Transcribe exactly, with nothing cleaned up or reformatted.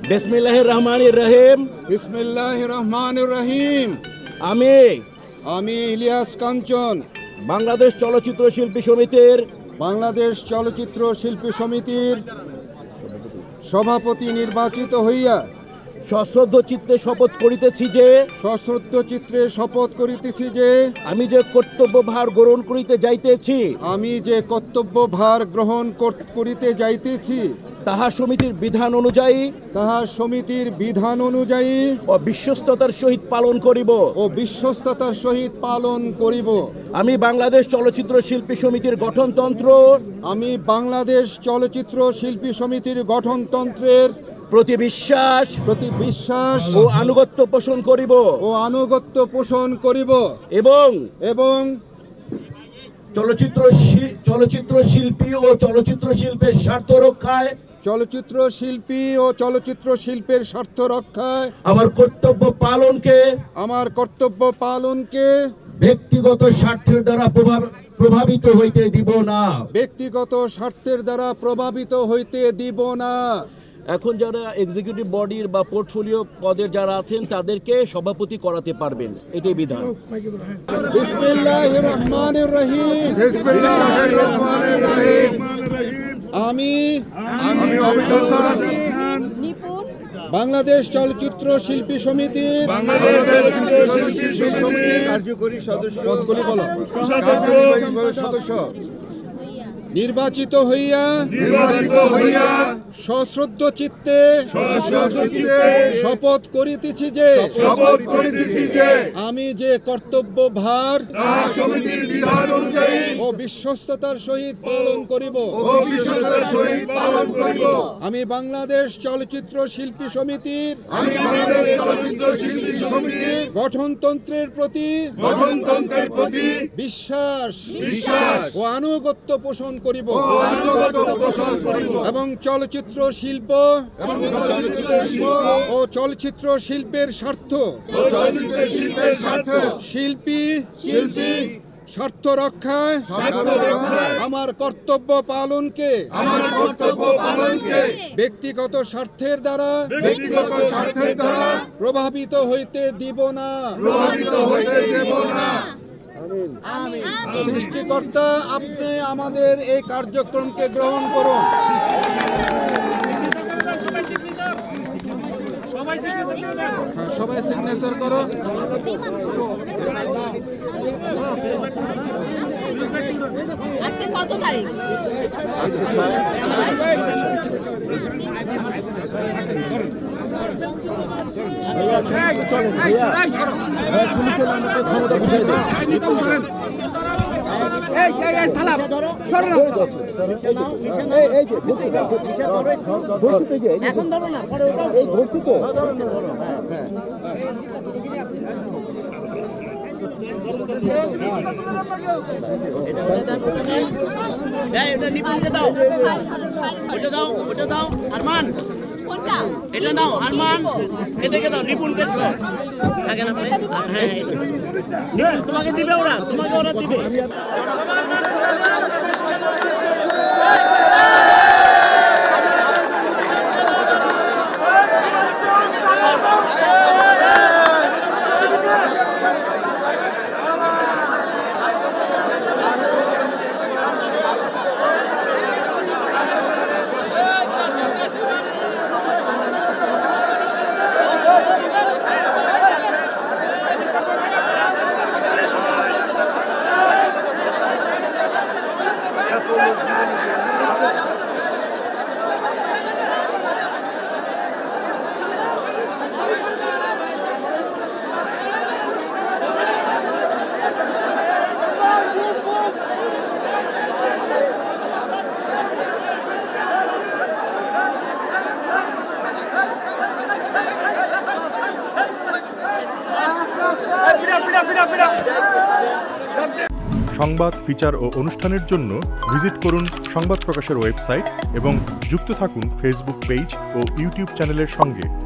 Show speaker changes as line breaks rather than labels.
বিসমিল্লাহির রহমানির রহিম।
বিসমিল্লাহির রহমানির রহিম।
আমি
আমি ইলিয়াস কাঞ্চন
বাংলাদেশ চলচ্চিত্র শিল্পী সমিতির
বাংলাদেশ চলচ্চিত্র শিল্পী সমিতির সভাপতি নির্বাচিত হইয়া
সশ্রদ্ধ চিত্তে শপথ করিতেছি যে
সশ্রদ্ধ চিত্রে শপথ করিতেছি যে
আমি যে কর্তব্য ভার গ্রহণ করিতে যাইতেছি
আমি যে কর্তব্য ভার গ্রহণ কর- করিতে যাইতেছি
তাহা সমিতির বিধান অনুযায়ী
তাহা সমিতির বিধান অনুযায়ী
ও বিশ্বস্ততার সহিত পালন করিব।
ও বিশ্বস্ততার সহিত পালন করিব।
আমি বাংলাদেশ চলচ্চিত্র শিল্পী সমিতির গঠনতন্ত্র
আমি বাংলাদেশ চলচ্চিত্র শিল্পী সমিতির গঠনতন্ত্রের
প্রতি বিশ্বাস
প্রতি বিশ্বাস
ও আনুগত্য পোষণ করিব
ও আনুগত্য পোষণ করিব
এবং
এবং
চলচ্চিত্র শি- চলচ্চিত্র শিল্পী ও চলচ্চিত্র শিল্পের স্বার্থ রক্ষায়
চলচ্চিত্র শিল্পী ও চলচ্চিত্র শিল্পের স্বার্থ রক্ষায়
আমার কর্তব্য পালনকে
আমার কর্তব্য পালনকে
ব্যক্তিগত স্বার্থের দ্বারা প্রভাব- প্রভাবিত হইতে দিব না।
ব্যক্তিগত স্বার্থের দ্বারা প্রভাবিত হইতে দিব না।
এখন যারা এক্সিকিউটিভ বডির বা পোর্টফোলিও পদের যারা আছেন তাদেরকে সভাপতি করাতে পারবেন, এটাই বিধান।
বিসমিল্লাহির রহমানির রহিম।
বিসমিল্লাহির রহমানির রহিম।
আমি
আমি অমিতাভ স্যার
নিপুণ
বাংলাদেশ চলচ্চিত্র শিল্পী সমিতির
বাংলাদেশ শিল্পী সমিতির
কার্যকরী সদস্য পদগুলি বলো
কোষাধ্যক্ষ
সদস্য নির্বাচিত হইয়া
নির্বাচিত হইয়া
সশ্রদ্ধ চিত্তে
সশ্রদ্ধ চিত্তে
শপথ করিতেছি যে
শপথ করিতেছি যে
আমি যে কর্তব্য ভার
তাহা সমিতির বিধান অনুযায়ী
ও বিশ্বস্ততার সহিত পালন করিব।
ও বিশ্বস্তার সহিত পালন করিব।
আমি বাংলাদেশ চলচ্চিত্র শিল্পী সমিতির
আমি বাংলাদেশ চলচ্চিত্র শিল্পী সমিতির
গঠনতন্ত্রের প্রতি
গঠনতন্ত্রের প্রতি
বিশ্বাস
বিশ্বাস
ও আনুগত্য পোষণ করিব
ও আনুগত্য পোষণ করিব
এবং চলচ্চিত্র শিল্প
এবং চলচ্চিত্র শিল্প
ও চলচ্চিত্র শিল্পের স্বার্থ
ও চলচ্চিত্র শিল্পের স্বার্থ
শিল্পী
শিল্পী
স্বার্থ রক্ষায়
স্বার্থ রক্ষায়
আমার কর্তব্য পালনকে
আমার কর্তব্য পালনকে
ব্যক্তিগত স্বার্থের দ্বারা
ব্যক্তিগত স্বার্থের দ্বারা
প্রভাবিত হইতে দিব না।
প্রভাবিত হইতে দেব না।
সৃষ্টিকর্তা আপনি আমাদের এই কার্যক্রমকে গ্রহণ করুন। হ্যাঁ, সবাই সিগনেচার করো।
আজকে কত তারিখ?
চলেন ভাইয়া, হ্যাঁ, শুনি চলে আমরা আপনার ক্ষমতা বুঝাই দিই। এই, এই যে, ধরছি তো, ধরছি তো, এই যে, এই যে, এই ধরছি তো।
এটা নিপুণকে দাও, ওটা দাও, ওটা দাও, আরমান
কোনটা?
এটা দাও, আরমান এটাকে দাও, নিপুণকে দাও। থাকে না ভাই? হ্যাঁ, এটা। নিপুণ তোমাকে দিবে ওরা, তোমাকে ওরা দিবে।
সংবাদ, ফিচার ও অনুষ্ঠানের জন্য ভিজিট করুন সংবাদ প্রকাশের ওয়েবসাইট এবং যুক্ত থাকুন ফেসবুক পেজ ও ইউটিউব চ্যানেলের সঙ্গে।